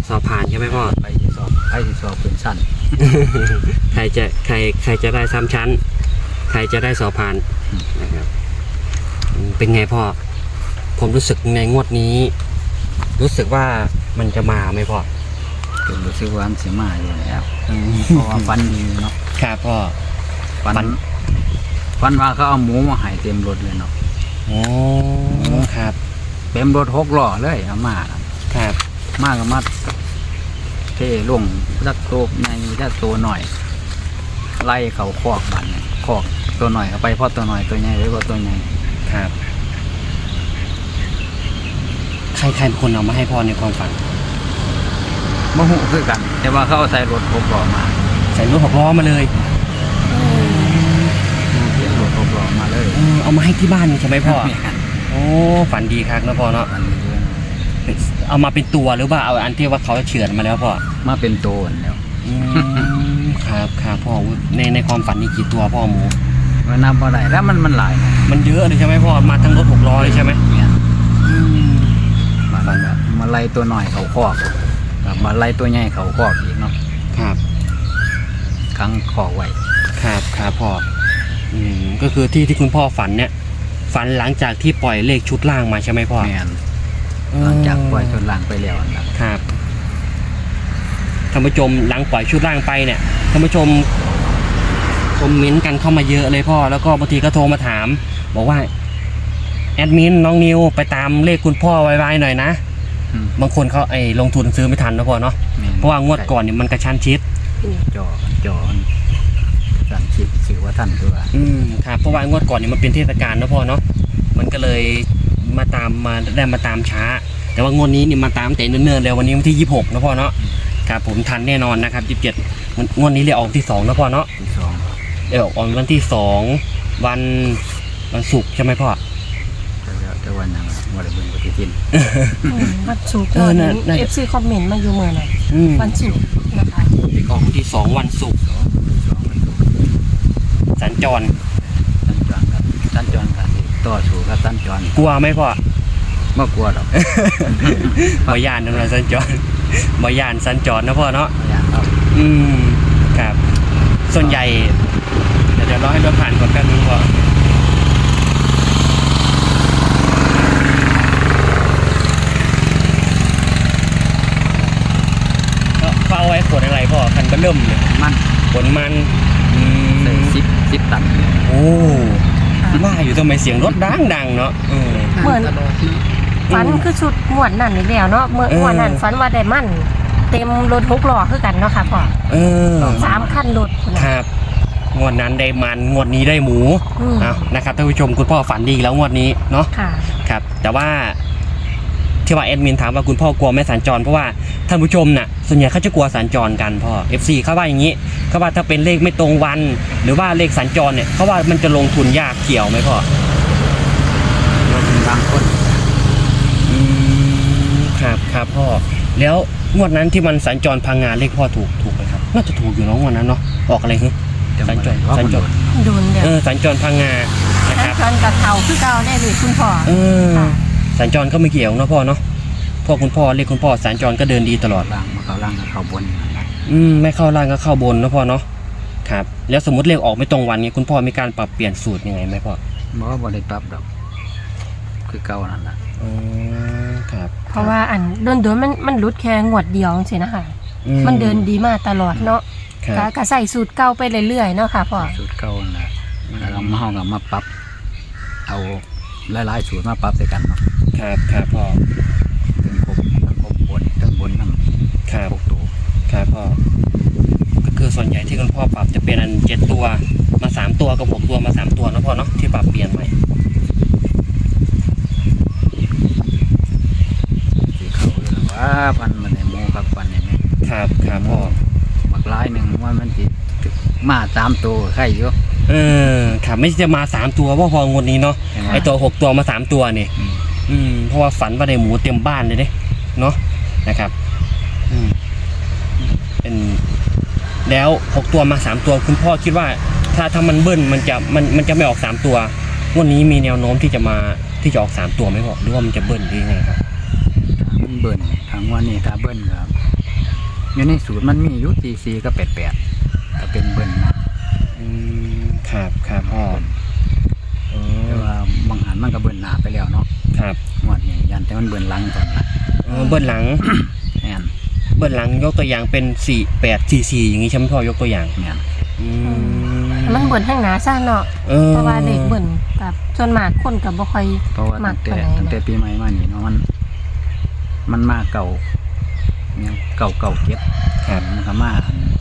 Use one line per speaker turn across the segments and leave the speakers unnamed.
สอบผ่านใช่ไหมพ่อ
ไปที่สอบเป็นสั้น
ใครจะได้3ชั้นใครจะได้สอบผ่านนะครับเป็นไงพ่อผมรู้สึกในงวดนี้ รู้สึกว่ามันจะมาไหมพ่อ
เป็นรู้สึกว่ามันสิมาอยู่แล้วเพราะว่าฟันดีเนาะ
ครับพ่อ
ฟันว่าเขาเอาหมูมาให้เต็มรถเลยเนาะ
โอ้ครับ
เต็มรถ6 ล้อเลยเอามา
ครับ
มาก็มาเทลงจักตัวในจักตัวหน่อย ไล่เขาคอกบันคอกตัวหน่อยเข้าไปเพราะตัวหน่อยตัวใหญ่ไว้กว่าตัวใหญ่
ครับใครเป็นคนเอามาให้พ่อในความฝัน
มะหูคือกัน แต่ว่าเขาเอาใส่รถ6 ล้อมา
ใส่รถ6 ล้อมาเลย
เรียกรถ6 ล้อมาเลย
เอามาให้ที่บ้านใช่ไหมพ่อ
เนี่ย
โอ้ฝันดีครับนะพ่อเนาะ
อันนี้เลย
เอามาเป็นตัวหรือว่าเอาอันที่ว่าเขาเฉือนมาแล้วพ่อ
มาเป็นตัวแล้ว
ครับพ่อในความฝันนี่กี่ตัวพ่อหมู
มันนับบ่ได้แล้วมันหลายนะ
มันเยอะเลยใช่ไหมพ่อมาทั้งรถ6 ล้อเลยใช่ไหม
เนี่ยมาไล่ตัวหน่อยเขาคอกกับมาไล่ตัวใหญ่เขาคอกอีกเนาะ
ครับ
ครั้งคอกไว้
ครับพ่อก็คือที่คุณพ่อฝันเนี่ยฝันหลังจากที่ปล่อยเลขชุดล่างมาใช่ไหมพ่อ
แม่นหลังจากปล่อยจนล่างไปแล้วนะครับ
ท่านผู้ชมหลังปล่อยชุดล่างไปเนี่ยท่านผู้ชมคอมเมนต์กันเข้ามาเยอะเลยพ่อแล้วก็บางทีก็โทรมาถาม บอกว่าแอดมินน้องนิวไปตามเลขคุณพ่อไวๆหน่อยนะบางคนเขาลงทุนซื้อไม่ทันนะพ่อเนาะเพราะว่างวดก่อนเนี่ยมันกระชั้นชิด
จอสั่งชิดสื่อว่าท่านตัว
ครับเพราะว่างวดก่อนเนี่ยมันเป็นเทศกาลนะพ่อเนาะมันก็เลยมาตามช้าแต่ว่างวดนี้เนี่ยมาตามแต่เนิ่นๆเลยวันนี้วันที่26นะพ่อเนาะครับผมทันแน่นอนนะครับ27งวดนี้เลยออกที่2นะพ่อเนาะ
ที่2
ออกวันที่2วันศุกร์ใช่ไหมพ่อ
แต่วันนั้นวันอะไรเบิ่งปฏิทิน
วันศุกร์FC คอมเมนต์มาอยู่เมื่อไหร่วันศุกร์นะคะ
ออกวันที่2วันศุกร์สัญจร
กันต่อสู่กับสัญจร
กลัวไหมพ่อ
ไม่กลัวหรอก
บ่ย่านนะสัญจรบ่ย่านสัญจรนะพ่อเนาะ
อย่างครับ
ครับส่วนใหญ่เดี๋ยวรอให้รถผ่านก่อนแป๊บนึงพ่อก็เอาไว้ขนอะไรพ่อคันเบิ่มเลย
มัน
ขนมัน
10 ตัน
โอ้ว่าอยู่ทำไมเสียงรถดังเนาะ
เหมือนฝันคือชุดหมวดนั่นนี่แล้วเนาะเมื่อวันนั้นฝันว่าได้มันเต็มรถ6 ล้อคือกันเนาะค่ะพ่อ3 คันรถ
ครับงวดนั้นได้มันงวดนี้ได้หมูนะครับท่านผู้ชมคุณพ่อฝันดีแล้วงวดนี้เนาะครับแต่ว่าที่ว่าแอดมินถามว่าคุณพ่อกลัวไหมสัญจรเพราะว่าท่านผู้ชมน่ะส่วนใหญ่เขาจะกลัวสัญจรกันพ่อ FC เขาว่าอย่างนี้เขาว่าถ้าเป็นเลขไม่ตรงวันหรือว่าเลขสัญจรเนี่ยเขาว่ามันจะลงทุนยากเกี่ยวไหมพ่อบ
างคน
ครับพ่อแล้วงวดนั้นที่มันสัญจรพังงานเลขพ่อถูกไหมครับน่าจะถูกอยู่เนาะงวดนั้นเนาะออกอะไรฮึสัญจร
โดนเดี๋ยว
สัญจรพังงานะครับ
สัญจรกับเขาคือเก่าได้เลยคุณพ่อ
สัญจรก็ไม่เกี่ยวเนาะพ่อเนาะพ่อคุณพ่อเรียกคุณพ่อสัญจรก็เดินดีตลอด
ล่างมาเข้าล่างกับเข้าบน
ไม่เข้าล่างก็เข้าบนนะพ่อเนาะครับแล้วสมมติเลขออกไม่ตรงวันนี้คุณพ่อมีการปรับเปลี่ยนสูตรยังไงไหมพ่อ
บอกว่าบ่ได้ปรับดอกคือเก่านั่นแหละ
ครับ
เพราะว่าอันโดนมันรุดแค่งวดเดียวสินะคะมันเดินดีมากตลอดเนาะก็ใส่สูตรเก่าไปเรื่อยๆเนาะค่ะพ่อ
สูตรเก่านั่นแหละแล้วเรามาห้องกับมาปรับเอาหลายๆสูตรมาปรับด้วยกันเนาะ
ครับพ่อ
ครบบนนั่น
ครับครับพ่อก็คือส่วนใหญ่ที่คุณพ่อปรับจะเป็นอัน7 ตัวมา3 ตัวกับ6 ตัวมา3 ตัวนะพ่อเนาะที่ปรับเปลี่ยนใหม่
ที่เขาว่าพันมันในโมกับพันในแม่
ครับพ่อ
บักลายหนึ่งว่ามันติดมา3 ตัวใครอยู่
ครับไม่จะมา3 ตัวว่าพองวดนี้เนาะไอตัว6 ตัวมา3 ตัวนี่เพราะว่าฝันว่าได้หมูเต็มบ้านเลยเนาะนะครับเป็นแล้ว6 ตัวมา3 ตัวคุณพ่อคิดว่าถ้ามันเบิ้ลมันจะไม่ออก3 ตัววันนี้มีแนวโน้มที่จะออก3 ตัวไหมพ่อหรือว่ามันจะเบิ้ลหรือยังไงครับ
มันเบิ้ลทางวันนี้ถ้าเบิ้ลครับอยู่ในสูตรมันมีอยู่44กับ88ก็เป็นเบิ้ลนะ
ครับครับพ่อ
แต่ว่าบางหันมันก็เบิ้ลหน้าไปแล้วเนาะ
ครับ
งวดนี้ยันแต่มันเบิ้ลหลังก่อนนะ
เบิ้ลหลัง
แม่น
เบิ้ลหลังยกตัวอย่างเป็น4844อย่างนี้ใช่ไหมพ่อยกตัวอย่าง
แม่น
มันเบิ่นข้างหน้าซ่าเนาะเพราะว่าเด็กเบิ่นกับส่วนมากคนก็บ่ค่อย
เพราะว่า
มั
ตั้
ก
ง
ปานใดนะ
แต่ปีใหม่มานี่เนาะมันมาเก่าเนี่ยเก่าเก็บ
ครับ
มันก็มา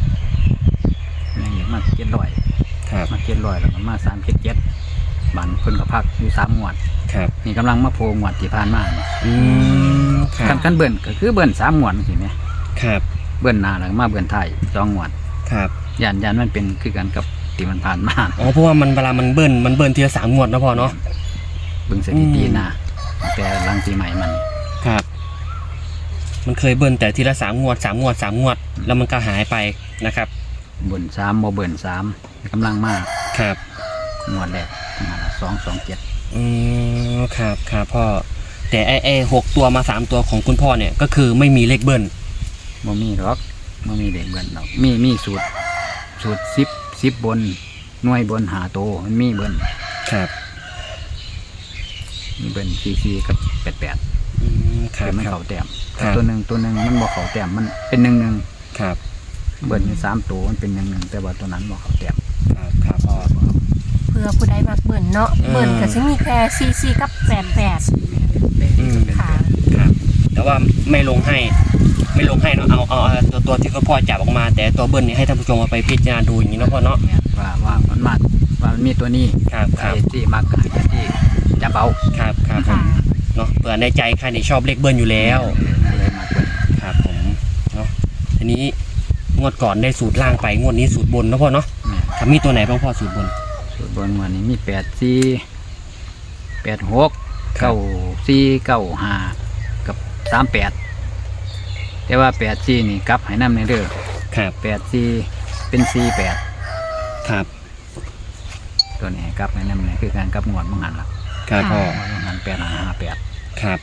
เนี่ยมา700
ครับ
มา700แล้วก็มา377บางคนก็พักอยู่3งวด
ครับ
นี่กำลังมาโผล่งวดที่ผ่านมานี่
ครับ
กันเบิ่นก็คือเบิ่น3งวดสิแม่
ครับ
เบิ่นหน้าแล้วก็มาเบิ่นท้าย2งวด
ครับ
ยันมันเป็นคือกันกับที่มันผ่านมา
อ๋อเพราะว่ามันเวลามันเบิ้ลทีละ3งวดนะพ่อเนาะ
เบิ่งสถิติหน้าแต่หลังปีใหม่มัน
ครับ มันเคยเบิ้ลแต่ทีละ3งวดแล้วมันก็หายไปนะครับ
เบิ่น3บ่เบิ่น3กำลังมา
ครับ
งวดแรก227
ครับครับพ่อแต่ไอ้6ตัวมา3ตัวของคุณพ่อเนี่ยก็คือไม่มีเลขเบิ้ล
บ่มีหรอกบ่มีเด็กเบิ่นหรอกมีสูตร10บนหน่วยบนหาโตมันมีเบิ่น
ครับ
มีเบิ่น44กับ88
ครับ
แต่มัน
ครั
เข้า
บ
แต้ม
ครั
แต่
บ
ตัวหนึงมันบ่เข้าแต้มมันเป็น11
ครับ
เบิ่นอยู่3ตัวมันเป็น11แต่ว่าตัวนั้นบ่เข้าแต้ม
ครับครับพ่อ
เพื่อผู้ใดมักเบิ่นเนาะเบิ่นก็สิมีแค่44กับ88ค่ะ
ครับแต่ว่าไม่ลงให้เนาะเอาตัวที่คุณพ่อจับออกมา แต่ตัวเบิ้ลเนี่ยให้ท่านผู้ชมเอาไปพิจารณาดูอย่างนี้เนาะพ่อเนาะ
เนี่ยว่ามันมากว่ามันมีตัวนี้
ครับครับ
ไอ้ที่มากกับที่จับเอา
ครับครับผ
ค่ะ
มเนาะเผื่อในใจใครเนี่ยชอบเลขเบิ้ลอยู่แล้ว
เลยมากเบิ่น
ครับผมเนาะทีนี้งวดก่อนได้สูตรล่างไปงวดนี้สูตรบนนะพ่อเนาะ
เนี่ย
ครับมีตัวไหนบ้างพ่อสูตรบน
สูตรบนวันนี้มี84 86 94 95กับ38แต่ว่า84นี่กลับให้นำในเด้อ
ครับ
84เป็น48
ครับ
ตัวนี้ให้กลับให้นำในคือการกลับงวดมังหันล่ะ
ครับพ่อ
มังหัน8558
ครับ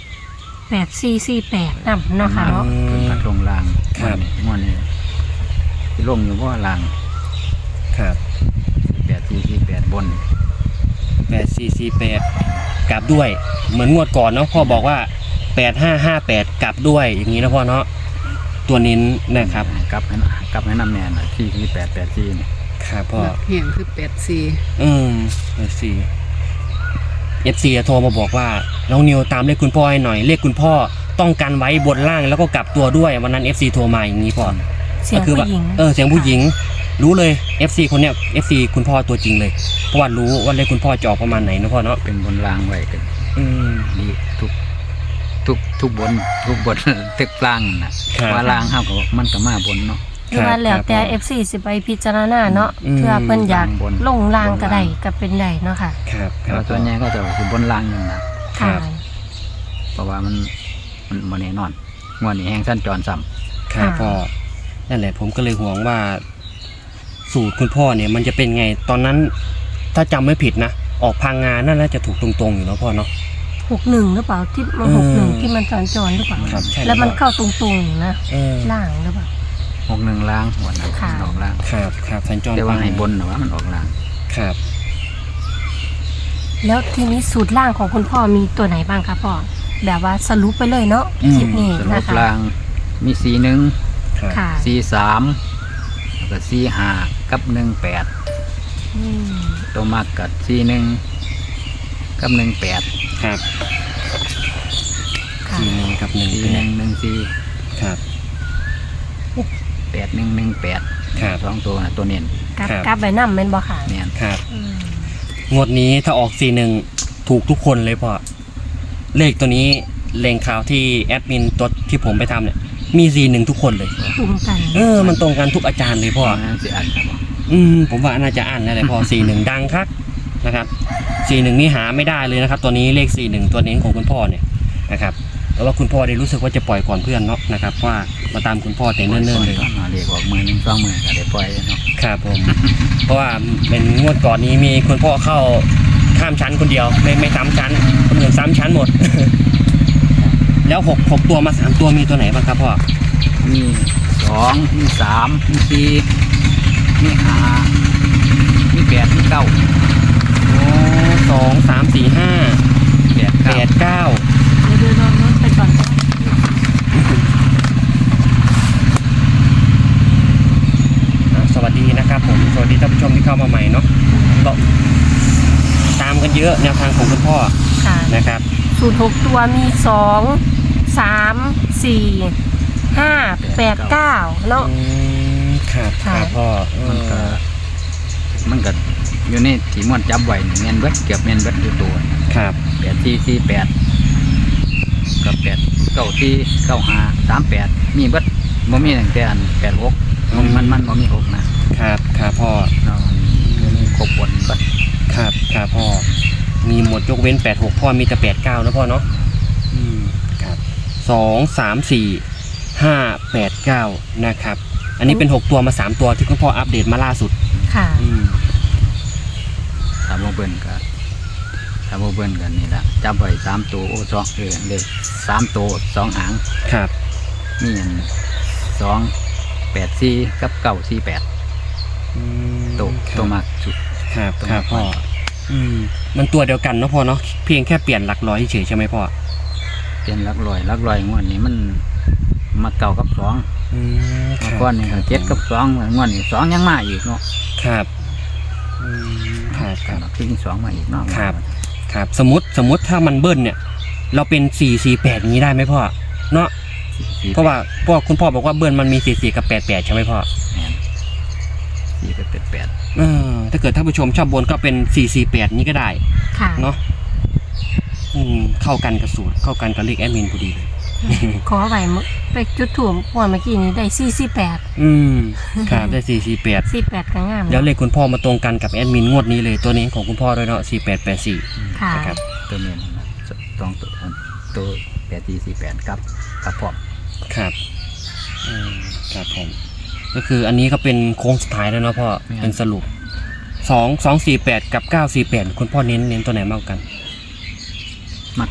8448นำเนาะค่ะเนาะ
เพิ่นพัดลงราง
ครับ
งวดนี้สิลงอยู่บ่ราง
ครับ
8448บน
8448กลับด้วยเหมือนงวดก่อนเนาะพ่อบอกว่า8558กลับด้วยอย่างนี้นะพ่อเนาะตัวนี้นะครับ
กลับให้นำแน่น่ะที่884นี่
ครับพ่อ
เหียงคือ
FC โทรมาบอกว่าน้องนิวตามเลขคุณพ่อให้หน่อยเลขคุณพ่อต้องกันไว้บนล่างแล้วก็กลับตัวด้วยวันนั้น FC โทรมาอย่างนี้พ่อ
เสียงผู้หญิง
เสียงผู้หญิงรู้เลย FC คนเนี้ย FC คุณพ่อตัวจริงเลยเพราะว่ารู้ว่าเลขคุณพ่อจะออกประมาณไหนนะพ่อเนาะ
เป็นบนรางไว้กัน ดีทุกบนตึกล่างน่ะ
ครับ
ว่าล่างเฮาก็มันก็มาบนเนาะ
คือว่าแล้วแต่ FC สิไปพิจารณาเนาะเพื่อเพิ่นอยากลงรางก็ได้ก็เป็นได้เนาะค่ะ
ครับค
แต่
รับ
ว่าส่วนใหญ่ก็จะคือบนล่างนั่นน่ะ
ครั
ค่ะ
บ
เพราะว่ามันบ่แน่นอนงวดนี้แฮงสั้นจรซ้ำ
ครับพ่อนั่นแหละผมก็เลยห่วงว่า สูตรคุณพ่อเนี่ยมันจะเป็นไงตอนนั้น ถ้าจำไม่ผิดนะออกพังงานน่าจะถูกตรงๆอยู่เนาะพ่อเนาะ
61หรือเปล่าที่มัน61ที่มันสัญจรหรือเปล่า
ครับใช่
แล้วมันเข้าตรงๆนะ
เออ
ล่างหรือเปล่า
61ล่างหัวนั้น
ค่ะ
ออกล่าง
ครับครับสัญจร
แต่ว่าให้บนน่ะว่ามันออกล่าง
ครับ
แล้วทีนี้สูตรล่างของคุณพ่อมีตัวไหนบ้างคะพ่อแบบว่าสรุปไปเลยเนาะคลิปนี้
สรุ
นะ
ป
คะ
ล่างมี41
ครับ
ค่ะ
43แล้วก็45กับ18
อืม
ตัวมากกับ41กับ18
ครับ
ค่ะ
41กับ
4114
14ครับ
8118
ครับ
สองตัวนะตัวเน้น
กลับไปนำแม่นบ่ค่ะ
เนี่ย
ครับ
อืม
งวดนี้ถ้าออก41ถูกทุกคนเลยพ่อเลขตัวนี้เลงข่าวที่แอดมินตัวที่ผมไปทำเนี่ยมี41ทุกคนเลย
ตรงกัน
มันตรงกันทุกอาจารย์เลยพ่อ
นั่นสิอันครับผม
ผมว่าน่าจะอ่านนั่นแหละพ่อ 41ดังครับนะครับ41นี่หาไม่ได้เลยนะครับ ตัวนี้เลข41ตัวนี้ของคุณพ่อเนี่ยนะครับแต่ว่าคุณพ่อได้รู้สึกว่าจะปล่อยก่อนเพื่อนเนาะนะครับว่ามาตามคุณพ่อแต่เนิ่นๆเลย
เรียกออกมือหนึ่งสองมือก็ได้ปล่อยเนาะ
ครับผม เพราะว่าเป็นงวดก่อนนี้มีคุณพ่อเข้าข้ามชั้นคนเดียวไม่ซ้ำชั้นคนอื่นซ้ำชั้นหมด แล้ว6ตัวมา3ตัวมีตัวไหนบ้างครับพ่อ
มี2มี3มี4มี5มี8มี9
โอ้2 3 4 5
8
8 9
เดี๋ยวลองนู้นไปก่อน
สวัสดีนะครับผมสวัสดีท่านผู้ชมที่เข้ามาใหม่เนาะก็ตามกันเยอะแนวทางของคุณพ่อ
ค่ะ
นะครับ
สูตร6ตัวมี2 3 4 5 8 9เนาะ
ครับครับพ่อ
มันก็อยู่ในที่ม่วนจับไว้นี่แม่นเบิดเกือบแม่นเบิดอยู่ตัว
ครับ
8 กับ8 9 5 3 8มีเบิดบ่มีตั้งแต่อัน8 6มันบ่มี6นะครับ
ครับพ่อ
เนาะมีครบบนเบิด
ครับครับพ่อมีหมดยกเว้น86พ่อมีแต่89นะพ่อเนาะครับ2 3 4 5 8 9นะครับอันนี้เป็น6ตัวมา3ตัวที่คุณพ่ออัปเดตมาล่าสุด
ค่ะ
ถ้าบ่เบิ่นกันนี่ล่ะจับไว้3ตัวโอ้2เลข3ตัว2หาง
ครับ
มีอัน2 8 4กับ9 4 8ตัวมากสุด
ครับครับพ่อมันตัวเดียวกันเนาะพ่อเนาะเพียงแค่เปลี่ยนหลักร้อยเฉยใช่ไหมพ่อ
เปลี่ยนหลักร้อยงวดนี้มันมาเก่ากับ2มาก่อนนี่ก็7กับ2งวดนี้2ยังมาอีกเนาะ
ครับครับครับ
คือ2มาอีกเนาะ
ครับสมมติถ้ามันเบิ้ลเนี่ยเราเป็น448อย่างนี้ได้ไหมพ่อเนาะเพราะว่าคุณพ่อบอกว่าเบิ้ลมันมี44กับ88ใช่ไหมพ่อ
4กับ88
ถ้าเกิดท่านผู้ชมชอบบนก็เป็น448นี้ก็ได้
ค่ะ
เนาะเข้ากันกับสูตรเข้ากันกับเลขแอดมินพอดีเลย
ขอไว้ไปจุดถ่วมเมื่อกี้นี้ได้48
ครับได้448
48ก็งาม
แล้วเลขคุณพ่อมาตรงกันกับแอดมินงวดนี้เลยตัวนี้ของคุณพ่อด้วยเนาะ4884
ค่ะ
นะครับ
ตัวนี้ต้องตัว8448กับพร้อม
ครับครับผมก็คืออันนี้ก็เป็นโค้งสุดท้ายแล้วเนาะพ่อเป็นสรุป248กับ948คุณพ่อเน้นตัวไหนมากกว่ากัน
มา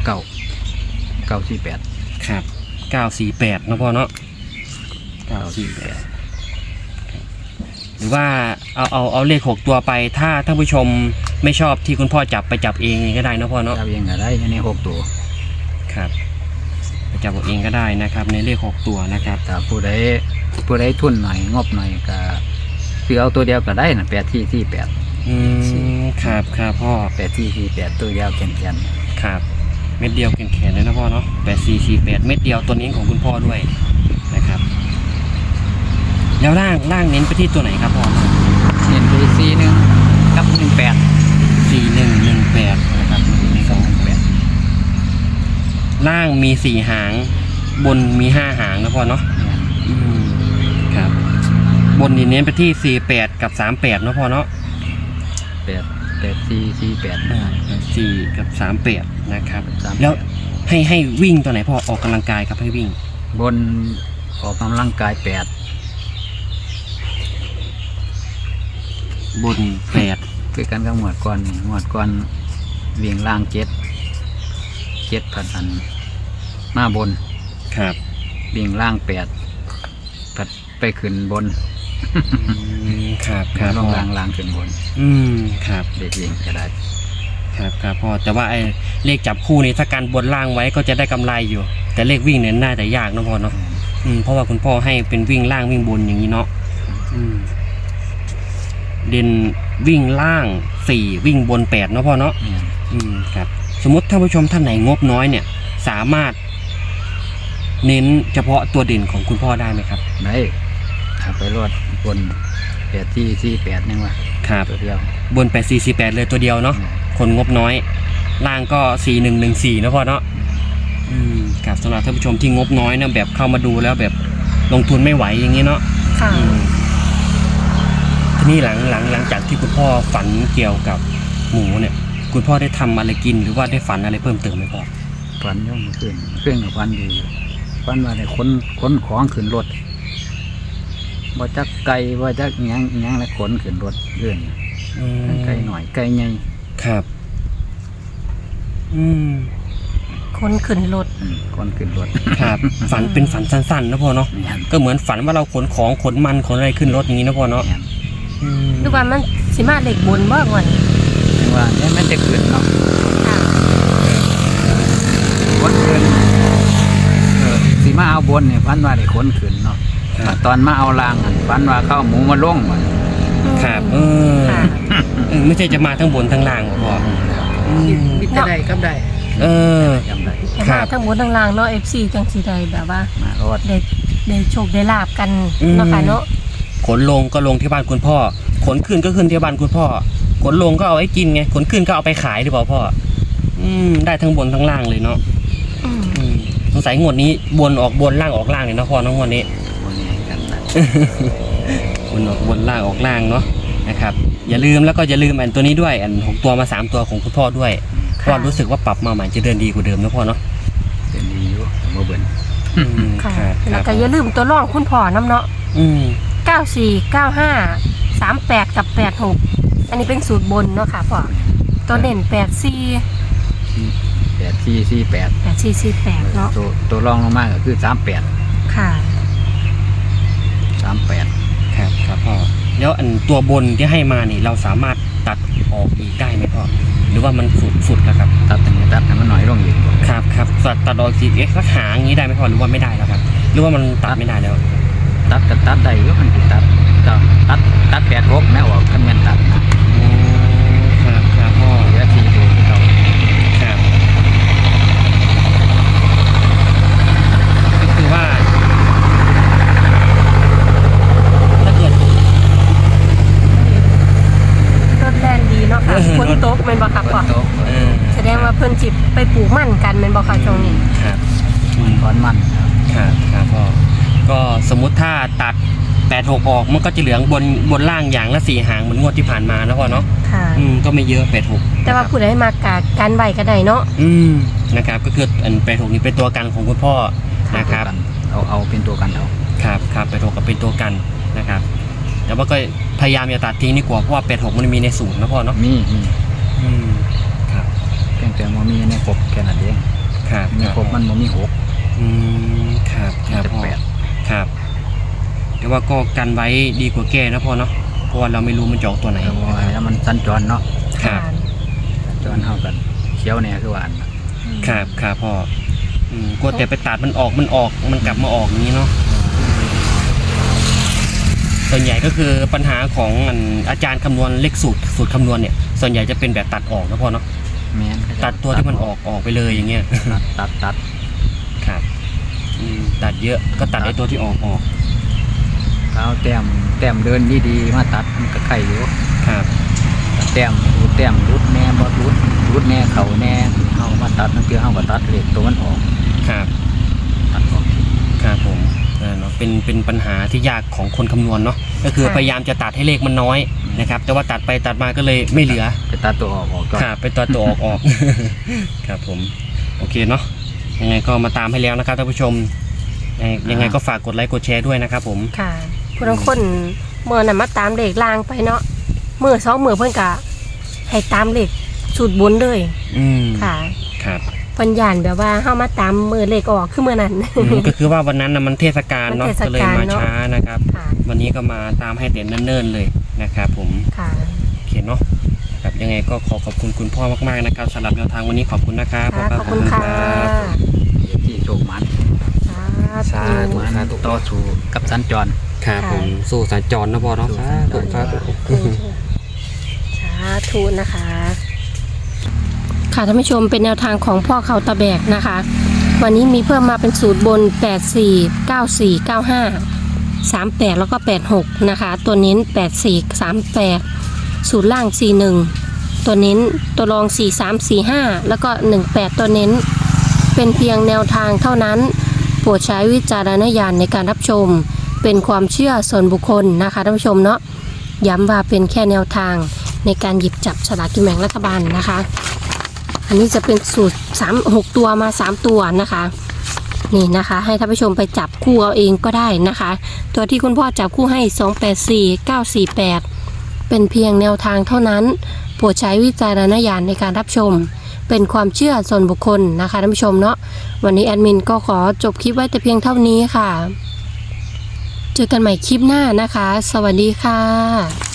948
ครับ948นะพ่อเนาะ948หรือว่าเอาเลข6ตัวไปถ้าท่านผู้ชมไม่ชอบที่คุณพ่อจับไปจับเองก็ได้นะพ่อเนาะ
จับเองก็ได้ใน6ตัว
ครับไปจับเองก็ได้นะครับในเลข6ตัวนะครับ
ถ้าผู้ใดทุนหน่อยงบหน่อยก็ซื้อเอาตัวเดียวก็ได้นะ8448
ครับครับพ่อ
8448ตัวเดียวแข็ง
ครับเม็ดเดียวแขนๆเลยนะพ่อเนาะ8448เม็ดเดียวตัวนี้ของคุณพ่อด้วยนะครับแล้วล่างเน้นไปที่ตัวไหนครับพ่อ
เน้นไป41กับ18
4118นะครับล่างมี4หางบนมี5หางนะพ่อเนาะครับบนนี่เน้นไปที่48กับ38นะพ่อเนาะ4กับ38นะครับแล้วให้วิ่งตัวไหนพ่อออกกำลังกายครับให้วิ่ง
บนออกกำลังกาย8
บน8
คือกันกับหมวดก่อนวิ่งล่าง7พันมาบน
ครับ
วิ่งล่าง8พัดไปขึ้นบน
ครับ
ลงล่างขึ้นบน
ครับ
เด็กวิ่งก็ได้
ครับพ่อแต่ว่าไอ้เลขจับคู่นี่ถ้าการบนล่างไว้ก็จะได้กำไรอยู่แต่เลขวิ่งเนี่ยน่าจะยากนะพ่อเนาะเพราะว่าคุณพ่อให้เป็นวิ่งล่างวิ่งบนอย่างนี้เนาะเด่นวิ่งล่าง4วิ่งบน8เนาะพ่อเนาะครับสมมติท่านผู้ชมท่านไหนงบน้อยเนี่ยสามารถเน้นเฉพาะตัวเด่นของคุณพ่อได้ไหมครับ
ได้ไปรอดบน8448นี่ว่า
ครับ
ตัวเดียว
บน8448เลยตัวเดียวเนาะคนงบน้อยล่างก็4114นะพ่อเนาะครับสำหรับท่านผู้ชมที่งบน้อยนะแบบเข้ามาดูแล้วแบบลงทุนไม่ไหวอย่างนี้เนาะทีนี้หลังจากที่คุณพ่อฝันเกี่ยวกับหมูเนี่ยคุณพ่อได้ทำอะไรกินหรือว่าได้ฝันอะไรเพิ่มเติมไหมพ่อ
ฝันย่อมขึ้นกับฝันดีฝันว่าได้ขนของขึ้นรถบ่จักไก่บ่จักหยังแล้วขนขึ้นรถเรื่องไก่หน่อยไก่ใหญ่
ครับ
คนขึ้นรถ
คนขึ้นรถ
ครับ ฝันเป็นฝันสั้นๆนะพ่อเนาะ
แม่น
ก็เหมือนฝันว่าเราขนของขนมันขนอะไรขึ้นรถอย่างนี้นะพ่อเนาะ
แม่น
อืม
ดูว่ามันสิมาเลขบนบ่ก่อน
ถึงว่าเนี่ยมันจะขึ้นเนาะ
ค่ะ
คนขึ้นสิมาเอาบนเนี่ยพันว่าได้คนขึ้นเนาะตอนมาเอาล่างพันว่าเข้าหมูมาลงมัน
ครับ
ค่ะ
ไม่ใช่จะมาทั้งบนทั้งล่างหรอกพ่ออืม
มิตรใดกับใด
เออ
จำได้
แต่
ครั
ว่า
บ
ทั้งบนทั้งล่างเนาะ FC จังสิได้แบบว่า
มารถ
ได้โชคได้ลาบกัน
อืม
เนาะค่ะเนาะ
ขนลงก็ลงที่บ้านคุณพ่อ ขนขึ้นก็ขึ้นที่บ้านคุณพ่อ ขนลงก็เอาไว้กินไง ขนขึ้นก็เอาไปขายหรือเปล่าพ่อ ได้ทั้งบนทั้งล่างเลยเนาะ
อืม
สงสัยงวดนี้บนออกบนล่างออกล่างเลยนะพ่อเน้องงวดนี้
วันนี้กันนะ
บนออกบนล่างออกล่างเนาะนะครับ อย่าลืมแล้วก็อย่าลืมอันตัวนี้ด้วยอัน6ตัวมา3ตัวของคุณพ่อด้วยเพราะว่ารู้สึกว่าปรับมาใหม่จะเดินดีกว่าเดิมนะพ่อเนาะ
เป็นดีอยู่เมื่อเบิ่น
ค่ะ
ครับค
แล้
รั
ว
บ
ก็อย่าลืมตัวรองคุณพ่อน้ำเนาะ
อืม
94 95 38 กับ 86 อันนี้เป็นสูตรบนเนาะค่ะพ่อตัวเด่น84
8448
8448เนาะ
ตัวรองลงมาก็คือ38
ค่ะ
38
ครับครับพ่อแล้วอันตัวบนที่ให้มานี่เราสามารถตัดออกอีกได้ไหมพ่อหรือว่ามันสุดแล้วครับ
ตัดตรงนี้ตัดให้มันน้อยลงอีก
ครับครับตัดออกสีสักหางอย่างนี้ได้ไหมพ่อหรือว่าไม่ได้แล้วครับ หรือว่ามันตัดไม่ได้แล้ว
ตัดก็ตัดได้อยู่มันสิตัด86แม่ออกคันแม่นตัดนะ
โอ้ครับครับพ่อ
เหลือ4ตัวที่เขา
ครับก็คือว่าถ้าเกิด
รถแล่นดีเนาะค่ะฝนตกแม่นบ่ครับ
ฝ
พ่อน
ตก
แสดงว่าเพิ่นสิไปปลูกมันกันแม่นบ่ค่ะช่วงนี้
ครับ
ตอนมันครับ
ครับพ่อก็สมมุติถ้าตัด86ออกมันก็จะเหลืองบนล่างอย่างละ4หางเหมือนงวดที่ผ่านมานะพ่อเนาะ
ค่ะ
ก็ไม่เยอะ86
แต่ว่าผู้ใดมากะการไว้ก็ได้เนาะ
นะครับก็คืออัน86นี่เป็นตัวกันของคุณพ่อนะครับ
เอาเป็นตัวกันเอา
ครับ86กับเป็นตัวกันนะครับ แต่ว่าก็พยายามอย่าตัดทิ้งดีกว่าเพราะว่า86มันมีในสูตรนะพ่อเนาะ
มี
ครับ
เพียงแต่ว่ามีในครบแค่นั้นเอง
ครับ
ในครบมันบ่มี6
ครับครับพ่อ
8
ครับแต่ว่าก็กันไว้ดีกว่าแก้นะพ่อเนาะเพราะว่าเราไม่รู้มันจะออกตัวไหน
แล้วมันสัญจรเนาะ
ครับ
สัญจรเฮากันเขียวแน่คือว่าอันน่ะ
ครับครับพ่อกลัวแต่ไปตัดมันออกมันกลับมาออกอย่างนี้เนาะส่วนใหญ่ก็คือปัญหาของอาจารย์คำนวณเลขสูตรคำนวณเนี่ยส่วนใหญ่จะเป็นแบบตัดออกนะพ่อเนาะ
แม่น
ตัดตัวที่มันออกไปเลยอย่างเงี้ย
ตัด
ครับตัดเยอะก็ตัดไอ้ตัวที่ออก
เอาแต้มเดินดีๆมาตัดมันก็ไข่อยู่
ครับ
แต้มรุดแน่บ่รุดแน่เข่าแน่เฮามาตัดนั่นคือเฮาก็ตัดเลขตัวมันออก
ครับ
ตัดออก
ครับผมเนาะเป็นปัญหาที่ยากของคนคำนวณเนาะก็คือพยายามจะตัดให้เลขมันน้อยนะครับแต่ว่าตัดไปตัดมาก็เลยไม่เหลือ
ไปตัดตัวออกก่อน
ครับไปตัวออก ครับผมโอเคเนาะยังไงก็มาตามให้แล้วนะครับท่านผู้ชมยังไงก็ฝากกดไลค์กดแชร์ด้วยนะครับผม
ค่ะผู้บางคนเมื่อน่ะมาตามเลขล่างไปเนาะมื้อ2มื้อเพิ่นก็ให้ตามเลขสูตรบนเลย ค่ะ
ครับ
เพิ่นย่านแบบว่าเฮามาตามมื้อเลขออกคือมื้อนั้น
ก็คือว่าวันนั้นนะมันเทศกาลเนาะ
มันเทศ
ก็เลย
กาล
มา
เนอะ
ช้านะครับ
ค่ะ
วันนี้ก็มาตามให้เต็มเนิ่นๆเลยนะครับผม
ค่ะ
โอเคเนาะครับยังไงก็ขอบคุณคุณพ่อมากๆนะครับสำหรับแนวทางวันนี้ขอบคุณนะครับ
ค่ะขอบคุณค่ะ
ที่โชคมัน
สาธุ
มันต่อสู่กับสัญจร
ครับผมสู้สัญจรนะพ่อเนาะสาธุสาธุ
สาธุนะคะ ค่ะท่านผู้ชมเป็นแนวทางของพ่อเขาตะแบกนะคะ วันนี้มีเพิ่มมาเป็นสูตรบน 84 94 95 38 แล้วก็ 86 นะคะ ตัวเน้น 84 38 สูตรล่าง 41 ตัวเน้นตัวรอง 43 45 แล้วก็ 18 ตัวเน้น เป็นเพียงแนวทางเท่านั้น โปรดใช้วิจารณญาณในการรับชม เป็นความเชื่อส่วนบุคคลนะคะท่านผู้ชมเนาะย้ำว่าเป็นแค่แนวทางในการหยิบจับสลากกินแบ่งรัฐบาลนะคะ อันนี้จะเป็นสูตร6ตัวมา3ตัวนะคะ นี่นะคะ ให้ท่านผู้ชมไปจับคู่เอาเองก็ได้นะคะ ตัวที่คุณพ่อจับคู่ให้284 948เป็นเพียงแนวทางเท่านั้น โปรดใช้วิจารณญาณในการรับชมเป็นความเชื่อส่วนบุคคลนะคะท่านผู้ชมเนาะวันนี้แอดมินก็ขอจบคลิปไว้แต่เพียงเท่านี้ค่ะเจอกันใหม่คลิปหน้านะคะสวัสดีค่ะ